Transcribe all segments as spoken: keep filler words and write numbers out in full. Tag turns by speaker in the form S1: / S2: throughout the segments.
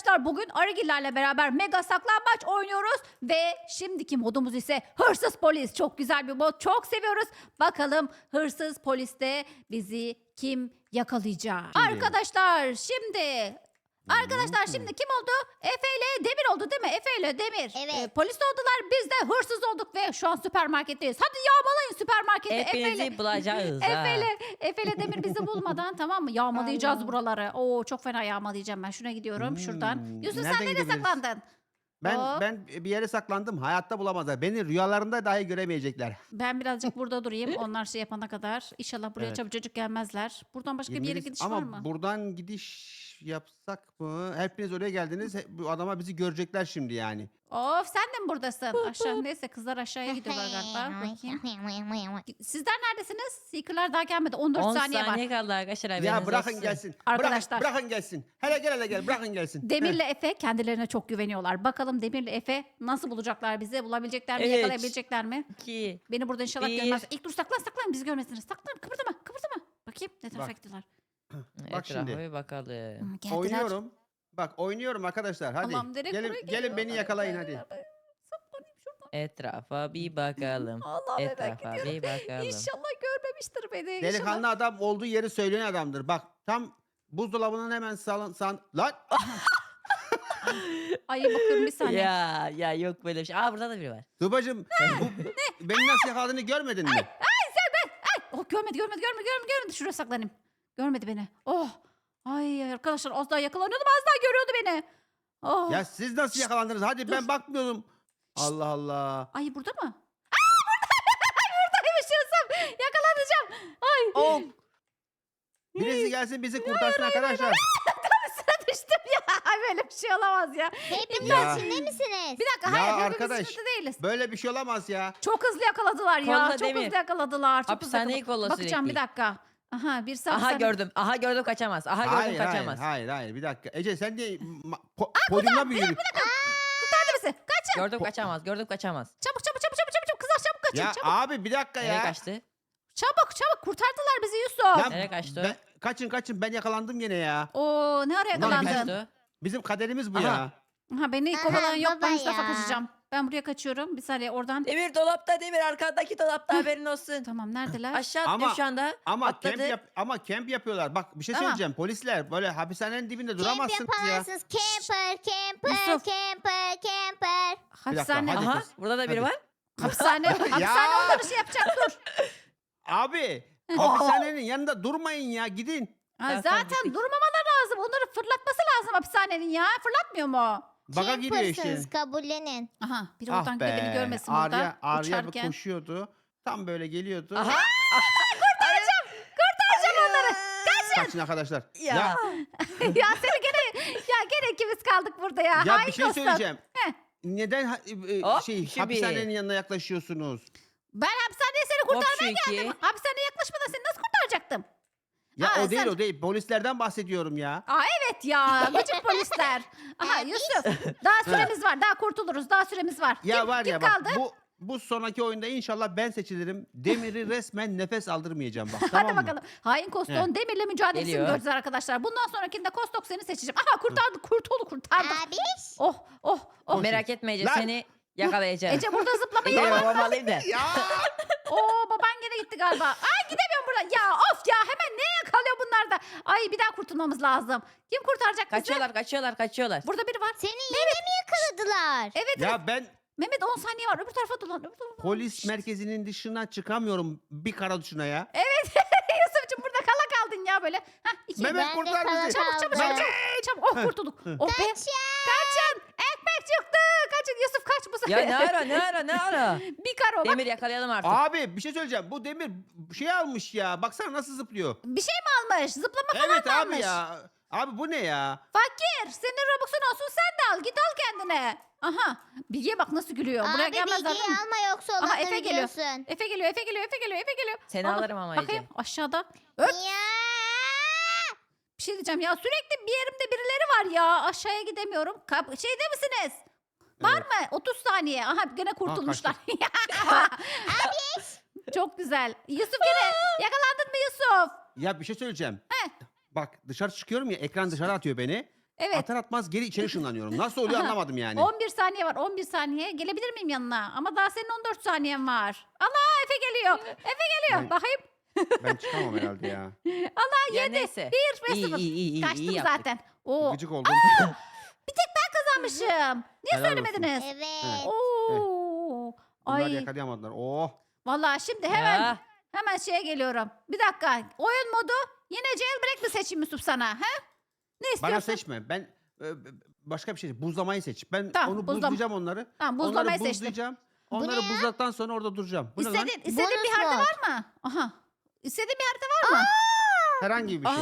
S1: arkadaşlar bugün Arıgillerle beraber mega saklambaç oynuyoruz. Ve şimdiki modumuz ise hırsız polis. Çok güzel bir mod. Çok seviyoruz. Bakalım hırsız poliste bizi kim yakalayacak?
S2: Şimdi.
S1: Arkadaşlar şimdi... Arkadaşlar şimdi kim oldu? Efe ile Demir oldu değil mi? Efe ile Demir.
S3: Evet.
S1: Ee, polis oldular. Biz de hırsız olduk ve şu an süpermarketteyiz. Hadi yağmalayın süpermarketi. Efe ile...
S4: Hepinizi bulacağız. ha.
S1: Efe ile, Efe ile Demir bizi bulmadan tamam mı? Yağmalayacağız buraları. Oo çok fena yağmalayacağım ben. Şuna gidiyorum şuradan.
S2: Hmm,
S1: Yusuf
S2: nereden
S1: sen nereye
S2: gidebiliriz?
S1: saklandın?
S2: Ben
S1: Hop.
S2: ben bir yere saklandım. Hayatta bulamazlar. Beni rüyalarında dahi göremeyecekler.
S1: Ben birazcık burada durayım. Onlar şey yapana kadar. İnşallah buraya
S2: Evet.
S1: çabucacık gelmezler. Buradan başka bir yere
S2: Girmeliyiz.
S1: gidiş
S2: Ama
S1: var mı?
S2: buradan gidiş yapsak mı? Hepiniz oraya geldiniz. He- Bu adama bizi görecekler şimdi yani.
S1: Of sen de mi buradasın? Aşağı neyse kızlar aşağıya gidiyorlar galiba. Bakayım. Sizler neredesiniz? Seeker'lar daha gelmedi. on dört
S4: on
S1: saniye,
S4: saniye
S1: var.
S4: kaldı arkadaşlar.
S2: Ya
S4: haberiniz
S2: bırakın
S4: olsun.
S2: gelsin.
S1: Arkadaşlar.
S2: Bırakın, bırakın gelsin. Hele gel hele gel. Bırakın gelsin.
S1: Demir'le Efe kendilerine çok güveniyorlar. Bakalım Demir'le Efe nasıl bulacaklar bizi? Bulabilecekler mi?
S4: Evet.
S1: Yakalayabilecekler mi?
S4: İki.
S1: Beni burada inşallah
S4: Bir.
S1: görmez. İlk dur saklan saklan bizi görmesinler. Saklan kıpırdama kıpırdama. Bakayım ne tarafa
S2: Bak.
S1: gittiler.
S2: Bak şimdi.
S4: Etrafa bir bakalım.
S1: Hı, geldiler.
S2: Oynuyorum. Bak oynuyorum arkadaşlar. Hadi.
S1: Tamam, direkt
S2: gelin
S1: buraya
S2: gelin beni
S1: geliyorlar.
S2: yakalayın hadi.
S1: Saklanayım şuradan.
S4: Etrafa bir bakalım.
S1: Allah merak
S4: Etrafa
S1: ediyorum.
S4: bir bakalım.
S1: İnşallah görmemiştir beni. İnşallah.
S2: Delikanlı adam olduğu yeri söyleyen adamdır. Bak tam buzdolabının hemen sağ san lan.
S1: Ay bakıyorum bir saniye.
S4: Ya ya yok böyle bir şey. Aa burada da biri var.
S2: Tubacım bu, beni nasıl yakaladığını görmedin mi?
S1: Oh görmedi görmedi görmedi görmedi görmedi. Şuraya saklanayım. Görmedi beni. Oh. Ay arkadaşlar az daha yakalanıyordum az daha görüyordu beni. Oh.
S2: Ya siz nasıl yakalandınız? Hadi ben bakmıyordum. Allah Allah.
S1: Ay burada mı? Aa burada. Buradaymış Yusuf. Yakalanacağım. Ay.
S4: Oh.
S2: Birisi gelsin bizi kurtarsın arkadaşlar.
S1: Sıra düştüm ya. Ay böyle bir şey olamaz ya.
S3: Hepiniz
S2: Ya.
S3: içinde misiniz?
S1: Bir dakika
S2: Ya
S1: hayır hepimiz
S2: arkadaş.
S1: içinde değiliz.
S2: Böyle bir şey olamaz ya.
S1: Çok hızlı yakaladılar ya.
S4: Kolla
S1: çok
S4: Demir.
S1: hızlı yakaladılar. Çok hızlı
S4: Hapishaneyi
S1: yakaladılar.
S4: kolla
S1: Bakacağım bir
S4: sürekli.
S1: dakika. Aha bir sağ
S4: Aha gördüm. Aha gördüm kaçamaz. Aha gördüm
S2: Hayır hayır
S4: kaçamaz.
S2: hayır hayır bir dakika. Ece sen de ma- po- podyumda mı yürü?
S1: Kurtardı bizi. Kaçın.
S4: Gördüm kaçamaz. Gördüm kaçamaz.
S1: Çabuk çabuk çabuk çabuk çabuk. Kızlar çabuk kaçın.
S2: Ya
S1: çabuk.
S2: abi bir dakika
S4: Nereye
S2: ya.
S4: kaçtı?
S1: Çabuk çabuk kurtardılar bizi Yusuf.
S2: Ya
S4: Nereye kaçtı o?
S2: ben- kaçın kaçın ben yakalandım yine ya.
S1: Oo ne araya
S2: Ulan
S4: Nereye
S1: yakalandın?
S4: kaçtı o?
S2: Bizim kaderimiz bu
S4: Aha.
S2: ya.
S1: Ha beni
S3: Aha,
S1: kovalayan yok ben
S3: baba
S1: şu tarafa
S3: ya.
S1: kaçacağım. Ben buraya kaçıyorum. Bir saniye oradan.
S4: Demir dolapta Demir arkandaki dolapta haberin olsun.
S1: Tamam neredeler?
S4: Aşağı
S2: Ama-
S4: atlıyorum şu anda.
S2: Ama
S4: Atladı.
S2: kemp yap ama kemp yapıyorlar. Bak bir şey
S1: Tamam.
S2: söyleyeceğim. Polisler böyle hapishanenin dibinde
S3: Camp
S2: duramazsınız ya.
S3: yaparsınız. Camper, camper,
S1: Yusuf.
S3: camper, camper.
S1: Hapishane.
S2: hadi.
S4: Aha
S2: kız,
S4: burada da biri
S2: hadi.
S4: var.
S1: Hapishane. Hapishane onları şey yapacak dur.
S2: Abi hapishanenin yanında durmayın ya gidin.
S1: Ha,
S4: Tamam, tamam,
S1: zaten
S4: gittik.
S1: durmamaları lazım. Onları fırlatması lazım hapishanenin ya. Fırlatmıyor mu?
S2: Baka gidiyor işte.
S3: Campersınız, kabullenin.
S1: Aha biri
S2: Ah
S1: oradan gidiyor beni
S2: be.
S1: görmesin
S2: Arya,
S1: burada.
S2: Arya bir
S1: Uçarken.
S2: koşuyordu. Tam böyle geliyordu.
S4: Aha.
S1: Kurtaracağım onları.
S2: Kaçın arkadaşlar.
S4: Ya.
S2: Ya,
S1: ya seni gene ya gene ikimiz kaldık burada ya.
S2: ya
S1: Hain
S2: bir şey
S1: dostum.
S2: söyleyeceğim.
S1: Heh.
S2: Neden ha- e,
S4: Hop,
S2: şey
S4: şu bir.
S2: hapishanenin yanına yaklaşıyorsunuz?
S1: Ben hapishaneye seni
S4: Hop şu
S1: kurtarmaya
S4: iki.
S1: geldim. Hapishaneye yaklaşmadan seni nasıl kurtaracaktım?
S2: Ya
S1: Aa,
S2: o değil
S1: sen-
S2: o değil. Polislerden bahsediyorum ya.
S1: Aa evet ya. Gıcık polisler. Aha Yusuf. Daha süremiz var. Daha kurtuluruz. Daha süremiz var.
S2: Ya
S1: kim,
S2: var
S1: kim
S2: ya bak
S1: kaldı?
S2: bu bu sonraki oyunda inşallah ben seçilirim. Demir'i resmen nefes aldırmayacağım bak.
S1: Hadi
S2: tamam mı?
S1: bakalım. Hain Koston Demir'le mücadelesini
S4: Geliyor.
S1: göreceğiz arkadaşlar. Bundan sonrakinde Kostok seni seçeceğim. Aha kurtardık. Kurtuldu kurtardık.
S3: Abiş.
S1: Oh oh oh.
S4: Merak etme Ece
S2: Lan.
S4: seni yakalayacağım.
S1: Ece burada zıplamayı
S4: Gel
S1: yapma.
S4: babamı alayım da.
S2: Ya
S1: Oo baban gene gitti galiba. Ay gidemiyorum buradan. Ya of ya hemen ne yakalıyor bunlar da. Ay bir daha kurtulmamız lazım. Kim kurtaracak bizi?
S4: Kaçıyorlar kaçıyorlar kaçıyorlar.
S1: Burada biri var.
S3: Seni yine mi yakaladılar?
S1: Evet evet.
S2: ya ben
S1: Mehmet on saniye var. Öbür tarafa dolan. Öbür tarafa.
S2: polis merkezinin dışına çıkamıyorum bir kara dışına ya.
S1: Yusuf'cum burada kala kaldın ya böyle. Hah iki.
S2: Mehmet
S3: Ben de
S2: kurtar
S3: kala
S2: bizi.
S1: Çabuk çabuk
S3: kaldım.
S1: çabuk. Çabuk. Oh kurtulduk. Oh be.
S3: Kaç ya.
S1: Kaçın. Ekmek çıktı. Kaçın Yusuf kaç bu
S4: Ya
S1: sefer.
S4: ne ara ne ara ne ara.
S1: Bir karo bak.
S4: Demir yakalayalım artık.
S2: Abi bir şey söyleyeceğim. Bu Demir şey almış ya. Baksana nasıl zıplıyor.
S1: Bir şey mi almış? Zıplama falan
S2: Evet
S1: mı
S2: abi
S1: almış?
S2: ya. Abi bu ne ya?
S1: Fakir. Senin Robux'un olsun sen de al. Git al kendine. Aha. Bilge'ye bak nasıl gülüyor. Buraya
S3: Abi
S1: gelmezler
S3: bilgiyi
S1: değil mi?
S3: alma yoksa
S1: Aha,
S3: olanları
S1: Efe geliyor.
S3: biliyorsun.
S1: Efe geliyor, Efe geliyor, Efe geliyor, Efe geliyor.
S4: Seni
S1: Aa,
S4: alırım ama
S1: Bakayım
S4: Ece.
S1: aşağıda. Öp.
S3: Ya.
S1: Bir şey diyeceğim ya sürekli bir yerimde birileri var ya. Aşağıya gidemiyorum. Kap şeyde misiniz? Var
S2: Evet.
S1: mı? otuz saniye. Aha gene kurtulmuşlar. Çok güzel. Yusuf gene yakalandın mı Yusuf?
S2: Ya bir şey söyleyeceğim. Bak dışarı çıkıyorum ya ekran dışarı atıyor beni.
S1: Evet.
S2: Atar atmaz geri içeri ışınlanıyorum. Nasıl oluyor
S1: Aha.
S2: anlamadım yani.
S1: on bir saniye var. on bir saniye. Gelebilir miyim yanına? Ama daha senin on dört saniyen var. Allah Efe geliyor. Efe geliyor.
S2: Ben-
S1: Bakayım.
S2: Ben çıkamam herhalde ya.
S4: Ya neyse.
S1: Bir ve
S4: İyi
S1: sıfır.
S4: iyi iyi iyi,
S1: Kaçtım
S4: iyi yaptık.
S1: zaten. Oo,
S2: Gıcık oldum.
S1: kazanmışım. Niye
S2: Helal olsun.
S1: söylemediniz?
S3: Evet.
S1: Oo.
S2: Bunlar
S1: Ay.
S2: yakalayamadılar. Oh.
S1: Vallahi şimdi hemen
S4: Ya,
S1: hemen şeye geliyorum. Bir dakika. Oyun modu yine jailbreak mi seçeyim Yusuf sana? He? Ne istiyorsun?
S2: Bana seçme. Ben e, başka bir şey. Buzlamayı seç. Ben
S1: Tamam,
S2: onu
S1: buzlama.
S2: buzlayacağım onları.
S1: Tamam, buzlamayı
S2: onları
S1: seçtim.
S2: buzlayacağım.
S3: Bu
S2: Onları
S3: ne ya?
S2: buzladıktan sonra orada duracağım. Bu ne lan?
S1: İstediğin, istediğin bir
S3: Bonus
S1: harita
S3: mod.
S1: var mı? Aha. İstediğin bir harita var mı?
S2: Herhangi bir şey.
S4: Aa.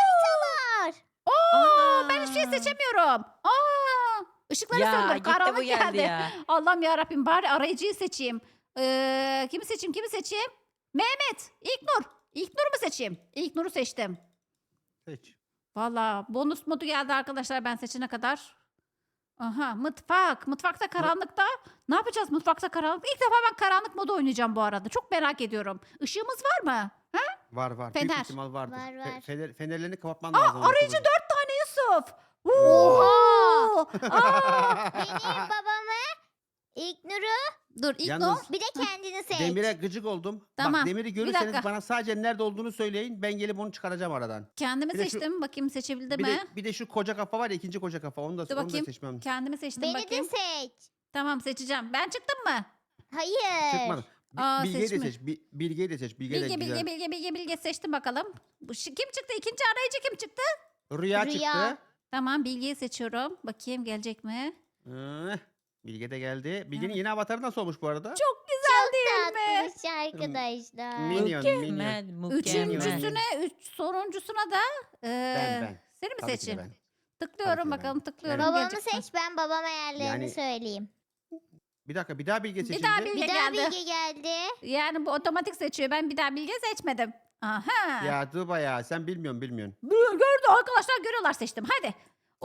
S3: Var.
S1: Oo, ben hiçbir şey
S4: Ana.
S1: seçemiyorum. Aa, ışıkları
S4: Ya
S1: söndür.
S4: gitti
S1: Karanlık
S4: bu geldi
S1: geldi.
S4: ya.
S1: Allah'ım ya Rabbim bari arayıcıyı seçeyim. Ee, kimi seçeyim? Kimi seçeyim? Mehmet, İlknur. İlknur'u mu seçeyim? İlknur'u seçtim.
S2: Seç.
S1: Valla bonus modu geldi arkadaşlar ben seçene kadar. Aha mutfak. Mutfakta karanlıkta. Ne yapacağız mutfakta karanlık? İlk defa ben karanlık modu oynayacağım bu arada. Çok merak ediyorum. Işığımız var mı?
S2: Var var.
S1: Fener.
S2: Büyük ihtimal vardır.
S3: Var,
S2: Fe-
S3: var.
S2: fener, fenerlerini kapatman
S1: Aa,
S2: lazım.
S1: arayıcı dört tane Yusuf.
S3: Oha!
S1: Oo! Aa!
S3: Benim babamı, İlknur'u,
S1: Dur İlknur.
S2: Yalnız
S3: bir de kendini seç.
S2: Demire gıcık oldum.
S1: Tamam,
S2: Bak Demir'i
S1: bir
S2: görürseniz
S1: dakika.
S2: bana sadece nerede olduğunu söyleyin. Ben gelip onu çıkaracağım aradan.
S1: Kendimi
S2: Bir de şu-
S1: seçtim. Bakayım seçebildim
S2: Bir
S1: mi?
S2: de, bir de şu koca kafa var ya ikinci koca kafa. Onu da,
S1: Dur
S2: onu da
S1: bakayım.
S2: seçmem.
S1: Kendimi seçtim
S3: Beni
S1: bakayım.
S3: de seç.
S1: Tamam seçeceğim. Ben çıktım mı?
S3: Hayır.
S2: Çıkmadı. Bi-
S1: Aa,
S2: Bilge'yi de
S1: seçme.
S2: seç. Bi- Bilge'yi de seç. Bilge, de
S1: Bilge,
S2: güzel.
S1: bilge, bilge, bilge, bilge seçtim bakalım. Bu şi- Kim çıktı? İkinci arayıcı kim çıktı?
S2: Rüya,
S3: Rüya.
S2: çıktı.
S1: Tamam Bilge'yi seçiyorum. Bakayım gelecek mi?
S2: Hı, Bilge de geldi. Bilge'nin yeni avatarı nasıl olmuş bu arada?
S1: Çok güzel değil mi?
S3: Tatlış arkadaşlar.
S2: Minyon, minyon.
S4: Mükemmel, mükemmel.
S1: Üçüncüsüne, üç, sonuncusuna da e,
S2: Ben, ben.
S1: seni mi
S2: Tabii ki de
S1: seçeyim?
S2: ben.
S1: Tıklıyorum
S2: Tabii ki de
S1: bakalım
S2: ben.
S1: tıklıyorum.
S2: Evet.
S3: Babamı
S1: gelecek mi?
S3: seç, ben babama yerlerini
S2: Yani-
S3: söyleyeyim.
S2: Bir dakika bir daha Bilge
S1: Bir
S2: seçildi.
S1: daha Bilge
S3: Bir daha
S1: geldi.
S3: Bilge geldi.
S1: Yani bu otomatik seçiyor. Ben bir daha Bilge seçmedim. Aha.
S2: Ya Tuğba ya sen bilmiyorsun bilmiyorsun.
S1: Gör- Gördü arkadaşlar görüyorlar seçtim. Hadi.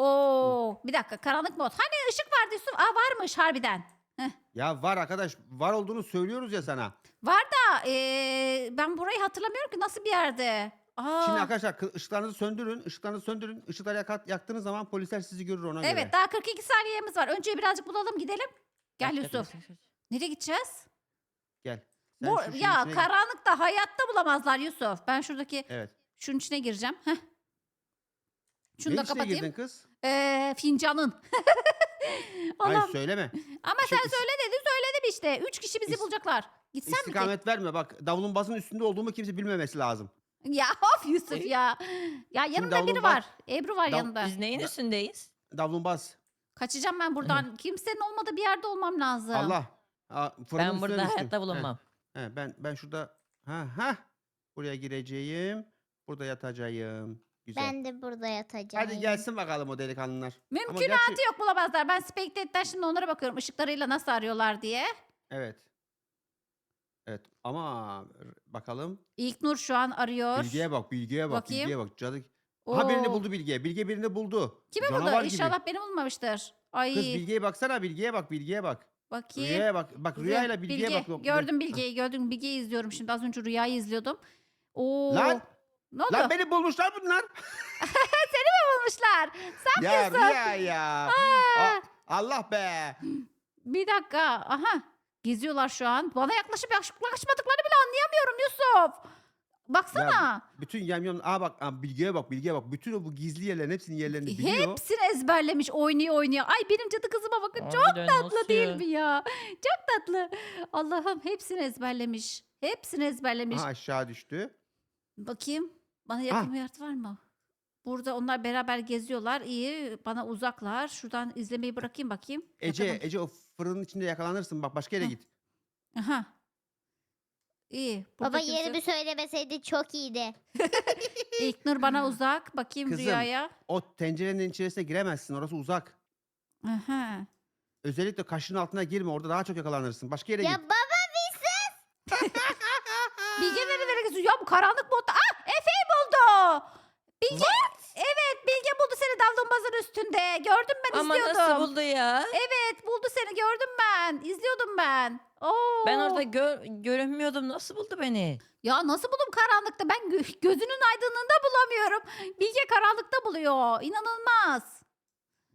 S1: Oo, bir dakika karanlık mod. Hani ışık vardı Yusuf? Aa varmış harbiden.
S2: Ya var arkadaş var olduğunu söylüyoruz ya sana.
S1: Var da e, ben burayı hatırlamıyorum ki nasıl bir yerde. Aa,
S2: Şimdi arkadaşlar kı- ışıklarınızı söndürün.Işıklarınızı söndürün. Işıkları yakat, yaktığınız zaman polisler sizi görür ona göre.
S1: evet daha kırk iki saniyemiz var. Önce birazcık bulalım gidelim. Gel
S2: Gel,
S1: Yusuf. Nereye gideceğiz?
S2: Gel. Sen
S1: Bu,
S2: şu şeyin
S1: ya
S2: içine gir.
S1: karanlıkta hayatta bulamazlar Yusuf. Ben şuradaki
S2: Evet.
S1: şunun içine gireceğim. Heh. Şunu
S2: Ne
S1: da
S2: içine
S1: kapatayım.
S2: girdin kız?
S1: Ee, fincanın.
S2: Hayır
S1: Allah'ım.
S2: söyleme.
S1: Ama
S2: Şey,
S1: sen
S2: is-
S1: söyle dedin söyledim işte. Üç kişi bizi
S2: is-
S1: bulacaklar. Gitsen mi ki?
S2: İstikamet verme bak davulun basın üstünde olduğumu kimse bilmemesi lazım.
S1: Ya of Yusuf ya. Ya yanımda
S2: davulun
S1: biri
S2: bas-
S1: var. Ebru var
S2: Dav-
S1: yanında.
S4: Biz neyin üstündeyiz?
S2: Davulun bas.
S1: Kaçacağım ben buradan. Kimsenin olmadığı bir yerde olmam lazım.
S2: Allah. Aa, fırının
S4: Ben
S2: üstüne
S4: burada
S2: düştüm.
S4: hayatta
S2: Heh,
S4: bulunmam.
S2: he, ben ben şurada ha ha buraya gireceğim. Burada yatacağım. Güzel.
S3: Ben de burada yatacağım.
S2: Hadi gelsin bakalım o delikanlılar. Ama
S1: Mümkünatı
S2: gerçi-
S1: yok bulamazlar. Ben Spectate'den şimdi onlara bakıyorum. Işıklarıyla nasıl arıyorlar diye.
S2: Evet. Evet ama r- bakalım.
S1: İlknur şu an arıyor.
S2: Bilgiye bak, bilgiye bak,
S1: Bakayım.
S2: bilgiye bak. Cadı. Ha birini
S1: Oo.
S2: buldu Bilge. Bilge birini buldu.
S1: Kimi
S2: Canavar
S1: buldu?
S2: gibi.
S1: İnşallah beni bulmamıştır. Ay
S2: Kız Bilge'ye baksana, Bilge'ye bak, Bilge'ye bak.
S1: bakayım.
S2: Rüyaya bak. Bak
S1: Rüya-
S2: rüyayla Bilge'ye
S1: Bilge.
S2: bak. Yok,
S1: Gördüm
S2: Bilge-
S1: Bilge'yi gördüm. Bilge'yi izliyorum şimdi. Az önce Rüya'yı izliyordum. Oo.
S2: Lan!
S1: Ne oldu?
S2: Lan beni bulmuşlar bunlar.
S1: Bulmuşlar. Sen
S2: ya
S1: Yusuf.
S2: Rüya ya. A- Allah be.
S1: Bir dakika. Aha. Geziyorlar şu an. Bana yaklaşıp yaklaşmadıklarını bile anlayamıyorum Yusuf. Baksana.
S2: Bütün yamyam. Aa bak aa, Bilge'ye bak, Bilge'ye bak. Bütün o bu gizli yerlerin hepsinin yerlerini biliyor.
S1: Hepsini ezberlemiş. Oynuyor oynuyor. Ay benim cadı kızıma bakın. Çok
S4: Harbiden
S1: tatlı
S4: nasıl
S1: değil
S4: ya?
S1: mi ya? Çok tatlı. Allah'ım hepsini ezberlemiş. Hepsini ezberlemiş.
S2: Aha aşağı düştü.
S1: Bakayım. Bana yakın bir yer var mı? Burada onlar beraber geziyorlar. İyi. Bana uzaklar. Şuradan izlemeyi bırakayım bakayım.
S2: Ece,
S1: Bakalım.
S2: Ece o fırının içinde yakalanırsın. Bak başka yere
S1: Hı.
S2: git.
S1: Aha. İyi. Burada
S3: Baba
S1: kimse-
S3: yerimi söylemeseydi çok iyiydi.
S1: İlknur bana uzak. Bakayım
S2: Kızım.
S1: Rüya'ya.
S2: O tencerenin içerisine giremezsin. Orası uzak.
S1: Aha.
S2: Özellikle kaşın altına girme. Orada daha çok yakalanırsın. Başka yere
S3: Ya
S2: git.
S3: baba
S1: Bilge nerelere geziyor? Ya bu karanlık modda. Ah Efe'yi buldu. Bilge. Evet Bilge buldu seni davlumbazın üstünde. Gördüm ben
S4: Ama
S1: izliyordum.
S4: nasıl buldu ya?
S1: Evet buldu seni gördüm ben. İzliyordum ben. Oo.
S4: Ben orada gör, görünmüyordum. Nasıl buldu beni?
S1: Ya nasıl buldum karanlıkta? Ben gö- gözünün aydınlığında bulamıyorum. Bilge karanlıkta buluyor. İnanılmaz.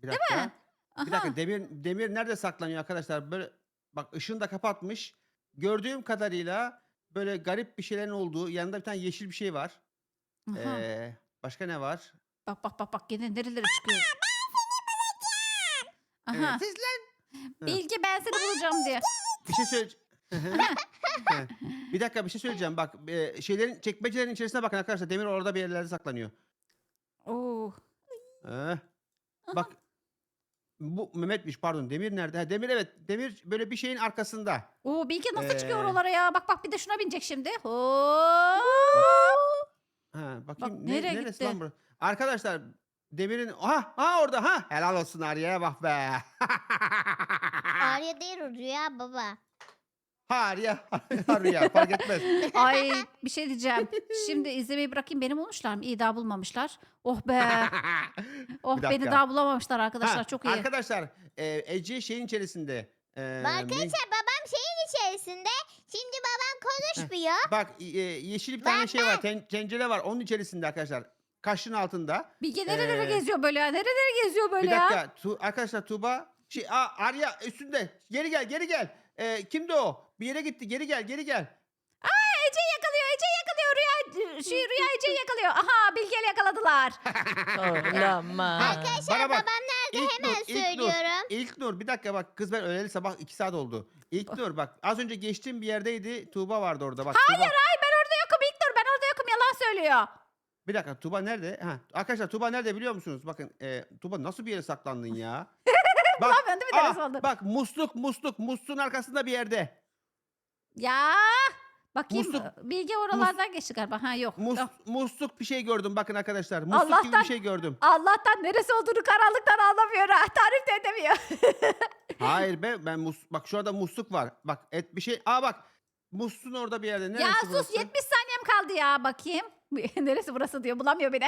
S2: Bir dakika.
S1: mi?
S2: Bir dakika Demir Demir nerede saklanıyor arkadaşlar? Böyle bak ışığını da kapatmış. Gördüğüm kadarıyla böyle garip bir şeylerin olduğu yanında bir tane yeşil bir şey var.
S1: Aha.
S2: Ee, başka ne var?
S1: Bak bak bak bak yine nerelere çıkıyor.
S2: Evet,
S1: Aha.
S2: siz lan.
S1: Bilgi ben seni bulacağım diye.
S2: Bir şey söyle. Bir dakika bir şey söyleyeceğim. Bak e, şeylerin çekmecelerin içerisine bakın arkadaşlar. Demir orada bir yerlerde saklanıyor.
S1: Oo.
S2: Ee, bak bu Mehmet'miş pardon. Demir nerede? Ha, Demir evet. Demir böyle bir şeyin arkasında.
S1: Oo Bilge nasıl çıkıyor
S2: Ee,
S1: oralara ya? Bak bak bir de şuna binecek şimdi. Hop.
S2: Ha, bakayım
S1: Bak,
S2: ne,
S1: nereye
S2: neresi
S1: gitti?
S2: lan burası? Arkadaşlar Demir'in ha ha orada ha helal olsun Arya'ya bak be.
S3: Arya değil o Rüya baba.
S2: Ha Arya Arya fark etmez.
S1: Ay bir şey diyeceğim. Şimdi izlemeyi bırakayım. Beni bulmuşlar mı? İyi daha bulmamışlar. Oh be. Oh
S2: Bir
S1: beni
S2: dakika.
S1: daha bulamamışlar arkadaşlar.
S2: Ha,
S1: Çok iyi.
S2: Arkadaşlar e, Ece şeyin içerisinde. E,
S3: Arkadaşlar babam şeyin içerisinde. Şimdi babam konuşmuyor.
S2: bak e, yeşil bir tane
S3: Ben-
S2: şey var. Ten, tencere var. Onun içerisinde arkadaşlar. Kaşın altında.
S1: Bilge nerelere
S2: Ee,
S1: geziyor böyle ya? Nerelere geziyor böyle
S2: Bir
S1: ya?
S2: dakika. Tu, arkadaşlar Tuğba. Şey, aa, Arya üstünde. Geri gel geri gel. E, kimdi o? Bir yere gitti. Geri gel geri gel.
S1: Ece yakalıyor. Ece yakalıyor. Rüya, şey, Rüya Ece'yi yakalıyor. Aha Bilge'yle yakaladılar.
S4: Olamaz.
S3: Arkadaşlar
S2: Bana bak.
S3: babam nerede
S2: İlk
S3: hemen
S2: Nur, ilk Nur.
S3: söylüyorum.
S2: İlk Nur bir dakika bak kız ben öleli sabah iki saat oldu. İlk Nur bak az önce geçtiğim bir yerdeydi. Tuğba vardı orada bak.
S1: Hayır
S2: Tuğba.
S1: hayır ben orada yokum İlknur. Ben orada yokum. Yalan söylüyor.
S2: Bir dakika Tuğba nerede? Ha, arkadaşlar Tuğba nerede biliyor musunuz? Bakın e, Tuğba nasıl bir yere saklandın ya? Bak,
S1: Bulamıyorsun değil mi neresi
S2: aa,
S1: olduğunu?
S2: bak musluk musluk musluğun arkasında bir yerde.
S1: Ya. Bakayım
S2: Musluk-
S1: Bilge oralardan geçti galiba. Ha yok.
S2: Mus,
S1: Yok.
S2: musluk bir şey gördüm bakın arkadaşlar. Musluk gibi
S1: Allah'tan-
S2: bir şey gördüm.
S1: Allah'tan neresi olduğunu karanlıktan anlamıyor. Ha. Tarif de edemiyor.
S2: Hayır be ben mus, bak şurada musluk var. Bak et bir şey. Aa bak musluğun orada bir yerde. Neresi
S1: ya sus
S2: burası?
S1: yetmiş saniyem kaldı ya bakayım. Neresi burası diyor bulamıyor beni.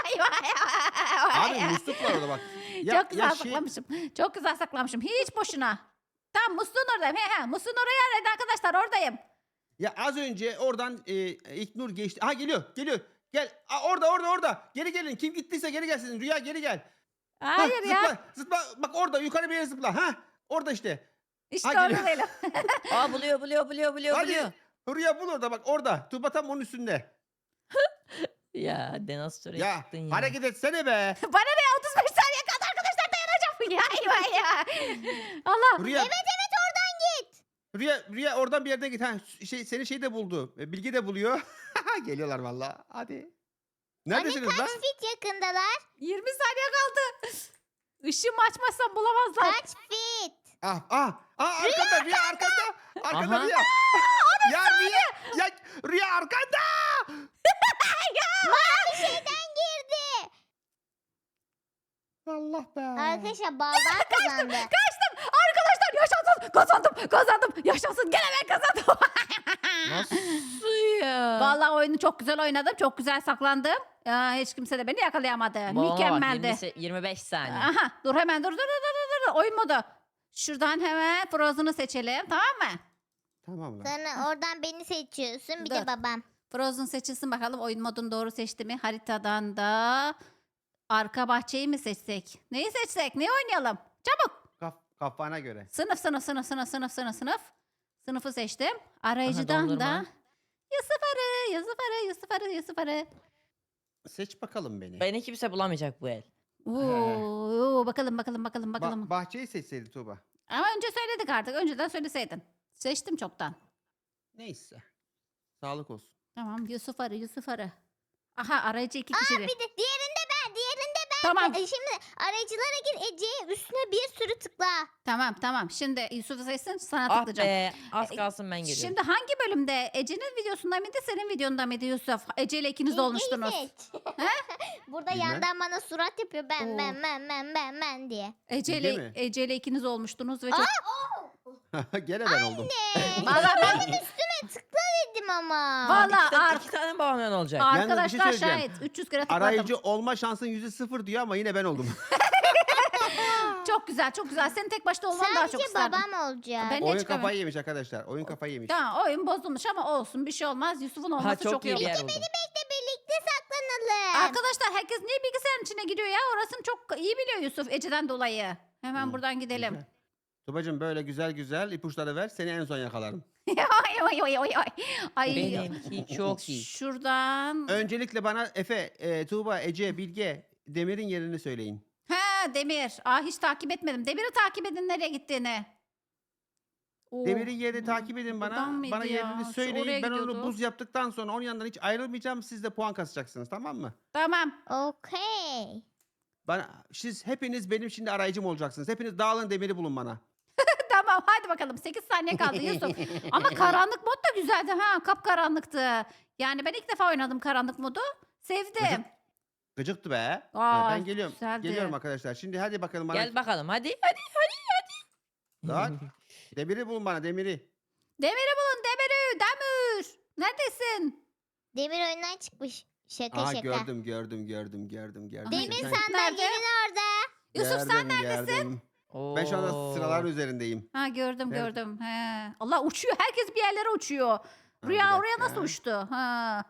S2: Abi musluk var orada bak. Ya,
S1: Çok güzel
S2: ya şey,
S1: saklamışım. Çok güzel saklamışım. Hiç boşuna. Tam musluğun oradayım. He he. Musluğun oraya arayın arkadaşlar oradayım.
S2: ya az önce oradan e, İlknur geçti. Ha geliyor geliyor. Gel. Aa, orada orada orada. Geri gelin. Kim gittiyse geri gelsin. Rüya geri gel. Ha,
S1: Hayır ya.
S2: Zıpla, zıpla. Bak orada yukarı bir yere zıpla. Ha orada işte.
S1: İşte
S2: Ha,
S1: orada
S2: geliyor.
S1: değilim.
S4: Aa buluyor buluyor buluyor buluyor
S2: Hadi.
S4: buluyor.
S2: Rüya bul orada bak orada. Tuba tam onun üstünde.
S4: Ya Denastor'a
S2: Ya
S4: çıktın ya.
S2: hareket etsene be.
S1: Bana ne otuz beş saniye kaldı arkadaşlar dayanacağım. Ya ya ya. Allah.
S2: Rüya,
S3: Evet evet oradan git.
S2: Rüya, Rüya oradan bir yerden git. Ha, şey, seni şey de buldu. E, Bilge de buluyor. Geliyorlar valla. Hadi. Neredesiniz
S3: Hani
S2: lan?
S3: kaç fit yakındalar?
S1: yirmi saniye kaldı. Işığımı açmazsam bulamazlar.
S3: Kaç fit?
S2: Ah ah ah arkanda Rüya arkanda. Arkanda
S4: Aha.
S2: Rüya. ya Rüya ya Rüya arkanda.
S3: Mavi şeyden girdi.
S2: Allah be.
S3: Arkadaşlar baldan kazandı.
S1: Kaçtım. Arkadaşlar yaşasın. Kazandım. Kazandım. Yaşasın. Gene ben kazandım.
S4: Nasıl ya?
S1: Vallahi oyunu çok güzel oynadım. Çok güzel saklandım. Ya, hiç kimse de beni yakalayamadı.
S4: Babama bak,
S1: Mükemmeldi.
S4: yirmi se- yirmi beş saniye.
S1: Aha dur hemen dur dur dur dur dur. Oyun modu. Şuradan hemen Frozen'ı seçelim tamam mı?
S2: Tamam lan.
S3: Sonra oradan beni seçiyorsun bir
S1: Dur.
S3: de babam.
S1: Frozen seçilsin bakalım oyun modunu doğru seçti mi? Haritadan da arka bahçeyi mi seçsek? Neyi seçsek? Neyi oynayalım? Çabuk.
S2: Kaf, kafana göre.
S1: Sınıf sınıf sınıf sınıf sınıf sınıf sınıf. Sınıfı seçtim. Arayıcıdan da
S4: dondurma.
S1: Yusuf Arı, Yusuf Arı, Yusuf Arı, Yusuf Arı.
S2: Seç bakalım beni.
S4: Beni kimse bulamayacak bu el.
S1: Oo, bakalım bakalım bakalım
S2: Ba-
S1: bakalım.
S2: bahçeyi seçseydi Tuğba.
S1: Ama önce söyledik artık. Önceden söyleseydin. Seçtim çoktan.
S2: Neyse. Sağlık olsun.
S1: Tamam Yusuf Arı, Yusuf Arı. Aha arayıcı iki
S3: Aa
S1: kişi.
S3: bir de diğerinde ben diğerinde ben.
S1: Tamam.
S3: E, şimdi arayıcılara gir Ece'ye üstüne bir sürü tıkla.
S1: Tamam tamam. Şimdi Yusuf'u seçsin sana
S4: Ah
S1: tıklayacağım.
S4: be az
S1: E,
S4: kalsın ben geliyorum.
S1: Şimdi hangi bölümde? Ece'nin videosunda mıydı senin videonda mıydı Yusuf? Ece ile ikiniz de
S3: Ece'yi
S1: olmuştunuz.
S3: seç. Burada
S2: Bilmem.
S3: yandan bana surat yapıyor ben
S1: Oo.
S3: ben ben ben ben ben diye.
S1: Ece
S2: Bilge
S1: ile,
S2: mi?
S1: Ece ile ikiniz olmuştunuz ve çok...
S2: Gene ben oldum.
S3: Ee,
S1: Vallahi ben...
S3: üstüne tıkla dedim ama.
S1: Vallahi
S4: iki, tane,
S1: ar-
S4: iki tane babamdan olacak.
S2: Yalnız bir şey
S1: arkadaşlar
S2: söyleyeceğim.
S1: şahit. üç yüz kere tıkladım.
S2: Arayıcı olma şansın yüzde sıfır diyor ama yine ben oldum.
S1: Çok güzel çok güzel. Senin tek başta olman daha çok
S3: Sadece
S1: isterdim.
S3: babam olacak.
S1: Ben- Ne
S2: Oyun
S1: çıkamıyor?
S2: kafayı yemiş arkadaşlar. Oyun kafayı yemiş.
S1: Tamam oyun bozulmuş ama olsun bir şey olmaz. Yusuf'un olması
S4: Ha
S1: çok,
S4: çok
S1: iyi
S4: iyi bir
S1: oldu.
S4: yer buldum.
S3: Bekle birlikte saklanalım. lazım.
S1: Arkadaşlar herkes niye bilgisayarın içine giriyor ya? Orasını çok iyi biliyor Yusuf Ece'den dolayı. Hemen
S2: Hı,
S1: buradan gidelim.
S2: güzel. Tubacığım böyle güzel güzel ipuçları ver. Seni en son yakalarım.
S1: Ay, ay, ay, ay, ay. Ay,
S4: Benimki çok iyi.
S1: Şuradan.
S2: Öncelikle bana Efe, e, Tuğba, Ece, Bilge, Demir'in yerini söyleyin.
S1: Ha Demir. Aa, hiç takip etmedim. Demir'i takip edin nereye gittiğini. Oo,
S2: Demir'in yerini takip edin
S1: buradan
S2: bana.
S1: mıydı
S2: Bana
S1: ya?
S2: yerini
S1: Şu
S2: söyleyin.
S1: oraya
S2: Ben onu
S1: gidiyordu.
S2: buz yaptıktan sonra onun yanından hiç ayrılmayacağım. Siz de puan kasacaksınız, tamam mı?
S1: Tamam.
S3: Okey.
S2: Bana, siz hepiniz benim şimdi arayıcım olacaksınız. Hepiniz dağılın, Demir'i bulun bana.
S1: Tamam hadi bakalım. sekiz saniye kaldı Yusuf. Ama karanlık mod da güzeldi ha. Kapkaranlıktı. Yani ben ilk defa oynadım karanlık modu. Sevdim.
S2: Gıcık- Gıcıktı be.
S1: Aa,
S2: ben geliyorum.
S1: güzeldi.
S2: Geliyorum arkadaşlar. Şimdi hadi bakalım bana.
S4: Gel bakalım hadi hadi hadi.
S2: Bak. Demir'i bulun bana, Demir'i.
S1: Demir'i bulun Demir'i. Demir. Neredesin?
S3: Demir oyundan çıkmış. Şaka
S2: Aa
S3: şaka.
S2: gördüm, gördüm, gördüm, gördüm, gördüm.
S3: Demir
S2: Sen-
S3: sandalyenin orada.
S1: Yusuf sen
S2: Gördüm,
S1: neredesin?
S2: gördüm. Ben şu anda
S4: Oo.
S2: sıralar üzerindeyim.
S1: Ha gördüm
S2: Nerede?
S1: gördüm. He. Allah uçuyor. Herkes bir yerlere uçuyor.
S2: bir
S1: Rüya oraya
S2: dakika.
S1: nasıl uçtu? Ha.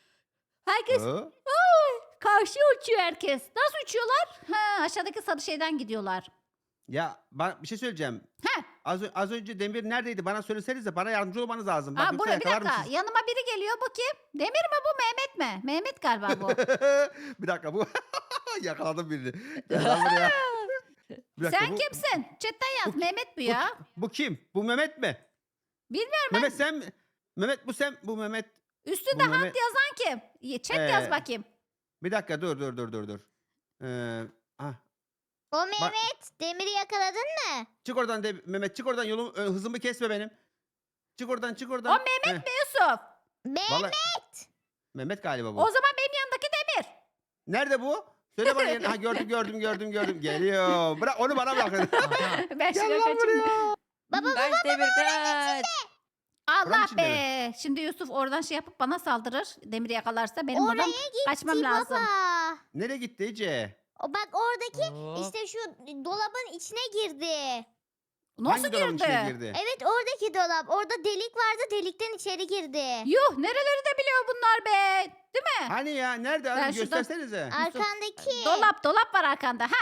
S1: Herkes
S2: Hı?
S1: karşıya uçuyor herkes. Nasıl uçuyorlar? Ha, aşağıdaki sarı şeyden gidiyorlar.
S2: Ya bak bir şey söyleyeceğim.
S1: Heh.
S2: Az, ö- az önce Demir neredeydi? Bana söylesenize. Bana yardımcı olmanız lazım. Bak
S1: Aa,
S2: yoksa
S1: buraya bir
S2: yakalarım
S1: dakika.
S2: sizi.
S1: Yanıma biri geliyor. Bu kim? Demir mi bu? Mehmet mi? Mehmet galiba bu.
S2: Bir dakika bu. Yakaladım birini. Gel lan buraya. Bir dakika,
S1: Sen
S2: bu,
S1: kimsin? Chatten yaz.
S2: bu-
S1: Mehmet bu
S2: Bu,
S1: ya.
S2: bu kim? Bu Mehmet mi?
S1: Bilmiyorum
S2: Mehmet sen mi? Mehmet bu sen. Bu Mehmet.
S1: Üstünde
S2: Bu
S1: Hamd
S2: Mehmet.
S1: yazan kim? Ye- Chat
S2: Ee,
S1: yaz bakayım.
S2: Bir dakika dur dur dur dur dur. Ee, ah.
S3: O Mehmet. Demir'i yakaladın mı?
S2: Çık oradan de, Mehmet çık oradan yolum ö, hızımı kesme benim. Çık oradan çık oradan.
S1: O Mehmet mi Yusuf?
S3: Mehmet.
S2: Vallahi- Mehmet galiba bu.
S1: O zaman benim yanındaki Demir.
S2: Nerede bu? Söyle bana yerini. Ha gördüm gördüm gördüm gördüm. Geliyor. Bırak onu bana bırakın.
S4: Aha.
S1: Ben
S2: Gel
S1: şuraya
S2: lan
S1: kaçayım.
S2: buraya.
S3: Baba
S4: Kaç Demir kaç.
S2: Buranın
S1: Allah
S2: içinde
S1: be. Şimdi Yusuf oradan şey yapıp bana saldırır. Demir'i yakalarsa benim
S3: oraya
S1: buradan
S3: gitti
S1: kaçmam lazım.
S3: baba.
S2: Nereye gitti Ece?
S3: O bak oradaki
S4: Hop.
S3: işte şu dolabın içine girdi.
S1: Nasıl
S2: Hangi dolabın içine
S1: girdi?
S2: girdi?
S3: Evet oradaki dolap. Orada delik vardı. Delikten içeri girdi.
S1: Yuh nereleri de biliyor bunlar be. Değil mi?
S2: Hani ya? Nerede?
S1: Ben
S2: Hadi
S1: şuradan-
S2: göstersenize.
S3: Arkandaki.
S1: Dolap dolap var arkanda. Ha.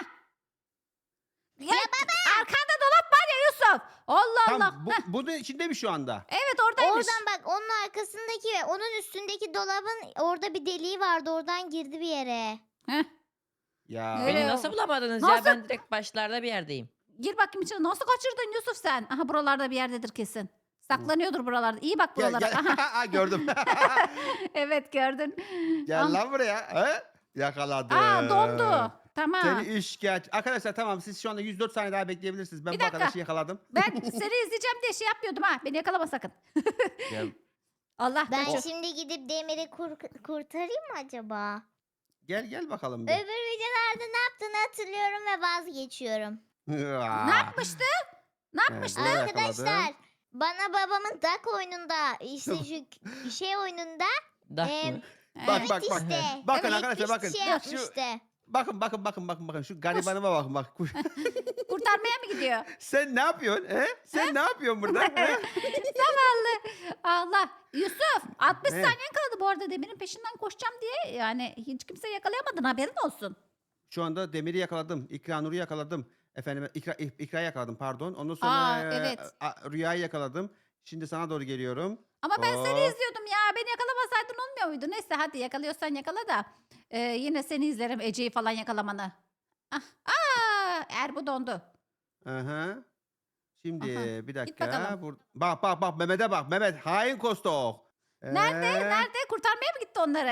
S1: Ya, arkanda dolap var ya Yusuf. Allah Allah.
S2: Tam bu,
S1: Heh,
S2: bunun içinde mi şu anda?
S1: evet oradaymış.
S3: Oradan bak onun arkasındaki ve onun üstündeki dolabın orada bir deliği vardı. Oradan girdi bir yere.
S1: Heh,
S2: Ya.
S1: Öyle
S4: Beni
S1: ya.
S4: nasıl bulamadınız
S1: Nasıl?
S4: ya? Ben direkt başlarda bir yerdeyim.
S1: gir bakayım içine. Nasıl kaçırdın Yusuf sen? Aha buralarda bir yerdedir kesin. Saklanıyordur buralarda. İyi bak
S2: Gel,
S1: buralara.
S2: gel.
S1: Aha.
S2: Aa, gördüm.
S1: Evet gördün.
S2: Gel
S1: Ah.
S2: lan buraya. He? Yakaladım.
S1: Aa dondu. Tamam.
S2: Seni işkence. Arkadaşlar tamam siz şu anda yüz dört saniye daha bekleyebilirsiniz. Ben
S1: Bir
S2: bu
S1: dakika.
S2: arkadaşı yakaladım.
S1: Ben seni izleyeceğim diye şey yapmıyordum ha. Beni yakalama sakın.
S2: Gel,
S1: Allah
S3: Ben
S1: kaçır.
S3: şimdi gidip Demir'i kur- kurtarayım mı acaba?
S2: gel, gel bakalım bir.
S3: Öbür videolarda ne yaptığını hatırlıyorum ve vazgeçiyorum.
S1: Ne yapmıştı? Ne yapmıştı?
S2: Evet.
S3: Arkadaşlar bana babamın Duck oyununda işte şu şey oyununda
S4: Dak
S3: Em,
S4: mı?
S2: Bak
S1: Ee,
S2: bak bak.
S3: işte.
S2: Bakın
S3: evet,
S2: arkadaşlar bakın.
S3: şey
S2: Şu-
S3: yapmıştı.
S2: Bakın bakın bakın bakın bakın şu garibanıma bakın bak.
S1: Kurtarmaya mı gidiyor?
S2: Sen ne yapıyorsun? He? Sen ne yapıyorsun burada? He?
S1: Zavallı. Allah. Yusuf altmış
S2: Ne?
S1: saniyen kaldı bu arada Demir'in peşinden koşacağım diye. Yani hiç kimse yakalayamadın haberin olsun.
S2: Şu anda Demir'i yakaladım. İkra Nur'u yakaladım. Efendim İkra, İkra'yı yakaladım pardon. Ondan sonra
S1: Aa,
S2: e,
S1: evet.
S2: a- Rüya'yı yakaladım. Şimdi sana doğru geliyorum.
S1: Ama ben seni
S2: Hop.
S1: izliyordum ya. Beni yakalamasaydın olmuyor muydu? Neyse hadi yakalıyorsan yakala da. Ee, yine seni izlerim Ece'yi falan yakalamanı. Ah, aa, Erbu dondu.
S2: Aha. Şimdi
S1: Aha,
S2: bir dakika.
S1: bakalım.
S2: Bur- bak bak bak Mehmet'e bak. Mehmet hain kostok.
S1: Nerede?
S2: Ee,
S1: Nerede? Kurtarmaya mı gitti onları?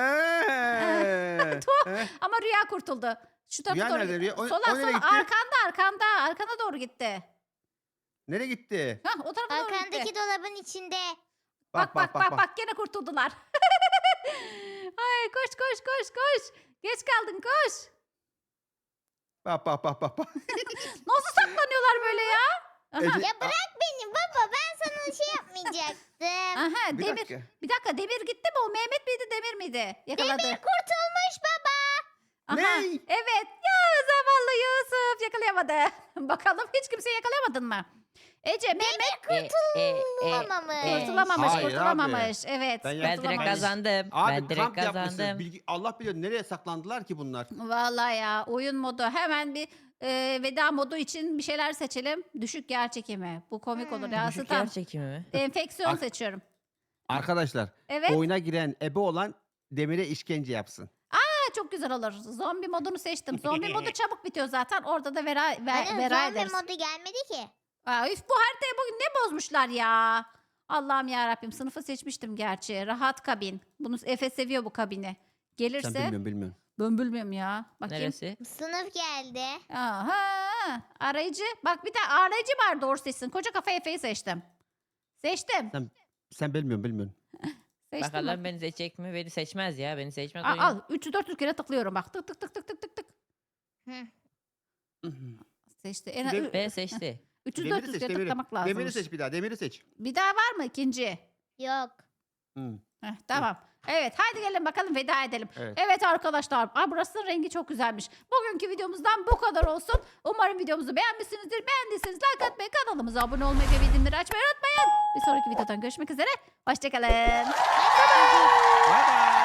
S2: ee,
S1: Tuh.
S2: ee.
S1: Ama Rüya kurtuldu. Şu tarafa
S2: Rüya
S1: doğru
S2: nerede?
S1: gitti.
S2: Rüya? O-
S1: Sola
S2: o nereye
S1: sola
S2: gitti?
S1: arkanda arkanda arkana doğru gitti.
S2: Nereye gitti?
S1: Hah o tarafa doğru gitti.
S3: Arkandaki dolabın içinde.
S1: Bak bak bak bak, gene kurtuldular. Ay koş koş koş koş. Geç kaldın koş.
S2: Bak bak bak bak. bak.
S1: Nasıl saklanıyorlar böyle ya? Aha,
S2: Ece-
S3: Ya bırak beni baba ben sana şey yapmayacaktım.
S1: aha
S2: Bir
S1: Demir.
S2: dakika.
S1: Bir dakika Demir gitti mi? O Mehmet miydi Demir miydi? Yakaladı.
S3: Demir kurtulmuş baba.
S1: Aha,
S2: Ne?
S1: evet. Ya zavallı Yusuf yakalayamadı. Bakalım hiç kimseyi yakalayamadın mı? Ece, Mehmet
S4: E, e, e,
S3: Kurtulamamış.
S4: e.
S1: kurtulamamış,
S2: Hayır abi.
S1: kurtulamamış. Evet,
S2: Ben
S4: Ben direkt
S1: kurtulamamış.
S4: kazandım.
S2: Abi
S4: ben direkt
S2: kamp yapmışsınız.
S4: kazandım.
S2: Bilgi, Allah bilir nereye saklandılar ki bunlar.
S1: Vallahi ya, oyun modu. Hemen bir e, veda modu için bir şeyler seçelim. Düşük yer çekimi. Bu komik olur ya.
S4: Düşük
S1: Stan.
S4: yer çekimi mi?
S1: Enfeksiyon
S2: Ak-
S1: seçiyorum.
S2: Arkadaşlar
S1: Evet.
S2: oyuna giren ebe olan Demir'e işkence yapsın.
S1: Ha, çok güzel olur. Zombi modunu seçtim. Zombi modu çabuk bitiyor zaten. Orada da vera, ver,
S3: Hani
S1: vera
S3: zombi
S1: ederiz.
S3: modu gelmedi ki.
S1: Aa, üf, bu haritayı bugün ne bozmuşlar ya. Allah'ım ya Rabbim, sınıfı seçmiştim gerçi. Rahat kabin. Bunu Efe seviyor bu kabini. Gelirse
S2: Sen bilmiyorum bilmiyorum.
S1: ben bilmiyorum ya. Bakayım.
S4: Neresi?
S3: Sınıf geldi.
S1: Aha, arayıcı. Bak bir de arayıcı var, doğru seçsin. Koca kafa Efe'yi seçtim. Seçtim.
S2: Sen, sen bilmiyorum bilmiyorum.
S1: Seçtim.
S4: Bakalım
S1: bak.
S4: beni seçecek mi? Beni seçmez ya. Beni seçmez
S1: Al,
S4: oyun.
S1: al. üç yüz dört yüz kere tıklıyorum bak. Tık tık tık tık tık tık tık.
S3: Hı.
S1: Seçti. En
S2: Dem-
S4: B seçti.
S1: üç yüz
S2: Demir'i
S1: dört yüz
S2: seç
S1: kere
S2: Demir'i.
S1: tıklamak lazım.
S2: Demir'i seç bir daha Demir'i seç.
S1: Bir daha var mı ikinci?
S3: Yok.
S2: Hı.
S1: Heh, tamam. Evet, hadi gelin bakalım veda edelim.
S2: Evet.
S1: Evet arkadaşlar, aa, burasının rengi çok güzelmiş. Bugünkü videomuzdan bu kadar olsun. Umarım videomuzu beğenmişsinizdir. Beğendiyseniz like atmayı, kanalımıza abone olmayı ve bildirimleri açmayı unutmayın. Bir sonraki videodan görüşmek üzere. Hoşçakalın.
S2: Bay bay.